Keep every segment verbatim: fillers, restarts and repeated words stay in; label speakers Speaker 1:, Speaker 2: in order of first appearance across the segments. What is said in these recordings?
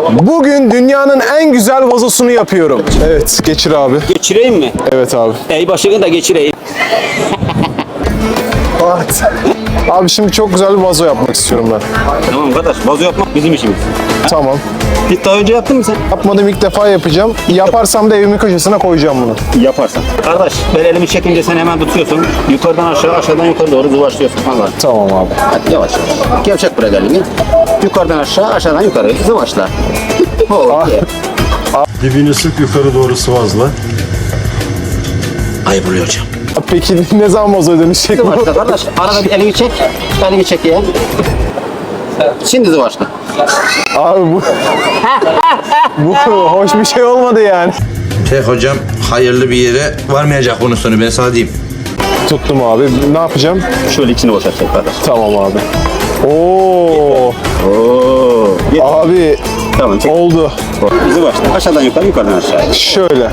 Speaker 1: Bugün dünyanın en güzel vazosunu yapıyorum. Evet, geçir abi.
Speaker 2: Geçireyim mi?
Speaker 1: Evet abi.
Speaker 2: Ey başını da geçireyim.
Speaker 1: Evet. Abi şimdi çok güzel bir vazo yapmak istiyorum ben.
Speaker 2: Tamam kardeş, vazo yapmak bizim işimiz.
Speaker 1: Tamam.
Speaker 2: Hiç daha önce yaptın mı sen?
Speaker 1: Yapmadım, ilk defa yapacağım. Yaparsam da evimin köşesine koyacağım bunu.
Speaker 2: Yaparsan. Kardeş, ben elimi çekince sen hemen tutuyorsun. Yukarıdan aşağı, aşağıdan yukarı doğru zıvaşlıyorsun. Allah.
Speaker 1: Tamam abi.
Speaker 2: Hadi yavaş. Gevşek bırak elini. Yukarıdan aşağı, aşağıdan yukarı zıvaşla. Oh, yeah.
Speaker 3: Dibini sık, yukarı doğru sıvazla.
Speaker 2: Ayıp oluyor hocam.
Speaker 1: Peki ne zaman vazoya dönüşecek bu?
Speaker 2: Zıvaşla kardeş. Arada bir elini çek. Elini çek ya. Şimdi zıvaşla.
Speaker 1: Abi bu... bu hoş bir şey olmadı yani.
Speaker 4: Şey hocam, hayırlı bir yere varmayacak bunun sonu, ben sana diyeyim.
Speaker 1: Tuttum abi. Ne yapacağım?
Speaker 2: Şöyle içini boşaltacak kardeş.
Speaker 1: Tamam abi. Oo.
Speaker 2: Oo.
Speaker 1: Abi
Speaker 2: Tamam çek.
Speaker 1: oldu.
Speaker 2: Zıvaşla. Aşağıdan yukarı, yukarıdan aşağı.
Speaker 1: Şöyle.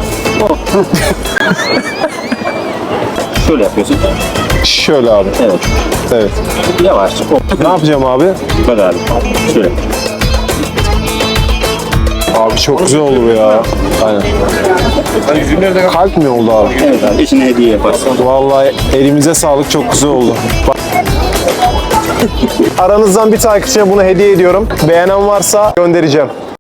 Speaker 2: Şöyle yapıyorsun.
Speaker 1: Şöyle abi.
Speaker 2: Evet.
Speaker 1: Evet.
Speaker 2: Yavaşça.
Speaker 1: Ne yapacağım abi?
Speaker 2: Bak abi. Şöyle.
Speaker 1: Abi çok güzel oldu bu ya. Aynen. Kalp mi oldu abi?
Speaker 2: Evet abi. Eşine hediye yaparsın.
Speaker 1: Vallahi elimize sağlık, çok güzel oldu. Bak. Aranızdan bir takipçiye bunu hediye ediyorum. Beğenen varsa göndereceğim.